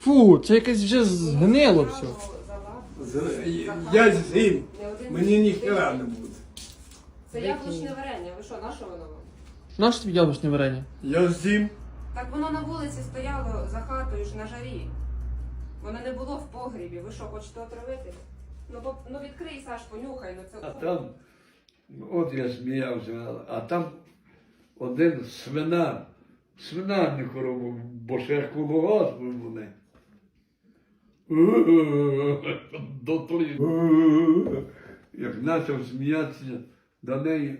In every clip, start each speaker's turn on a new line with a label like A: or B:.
A: Фу, це якесь вже згнило все.
B: Я з'їм, мені ніхера не буде.
C: Це яблучне варення. Ви що, на що воно вам?
A: Нащо тобі яблучне варення?
B: Я з'їм.
C: Так воно на вулиці стояло за хатою ж на жарі. Воно не було в погрібі. Ви що, хочете отравити? Ну відкрий, Саш, понюхай. Ну це...
D: А там, от я сміявся, а там один свинарнику робив, бо ще колгосп вони. Як почав сміятися до неї,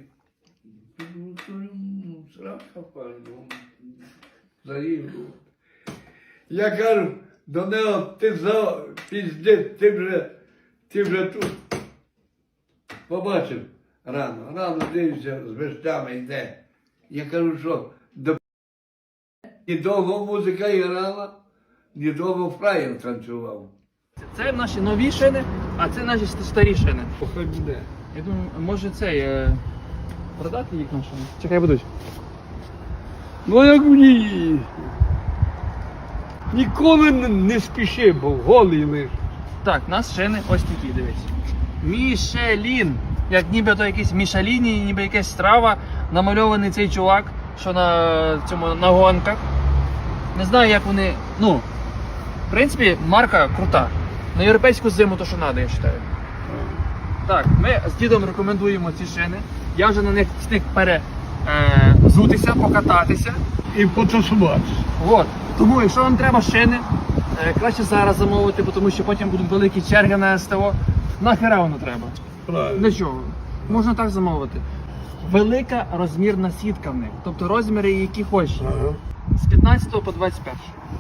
D: срака пальну, заїв. Я кажу до нього, ти піздець, ти вже тут. Побачив рано дивився, з вещами йде. Я кажу, що до ні довго музика грала, ні довго фраєр танцював.
A: Це наші нові шини, а це наші старі шини.
D: Хай буде.
A: Я думаю, може цей продати їх на шини? Чекай, будуть.
D: Ну як мені? Ніколи не спіши, бо голий лиш.
A: Так, у нас шини ось такі, дивись. Мішелін. Як ніби то якийсь Мішеліні, ніби якась страва, намальований цей чувак, що на гонках. Не знаю, як вони. Ну, в принципі, марка крута. На європейську зиму то, що треба, я вважаю. Так, ми з дідом рекомендуємо ці шини. Я вже на них встиг перезутися, покататися.
D: І потусуватися.
A: От. Тому, якщо вам треба шини, краще зараз замовити, тому що потім будуть великі черги на СТО. Нахера воно треба?
D: Правильно.
A: Для чого? Можна так замовити. Велика розмірна сітка в них, тобто розміри, які хочеш.
D: Ага.
A: З 15 по 21.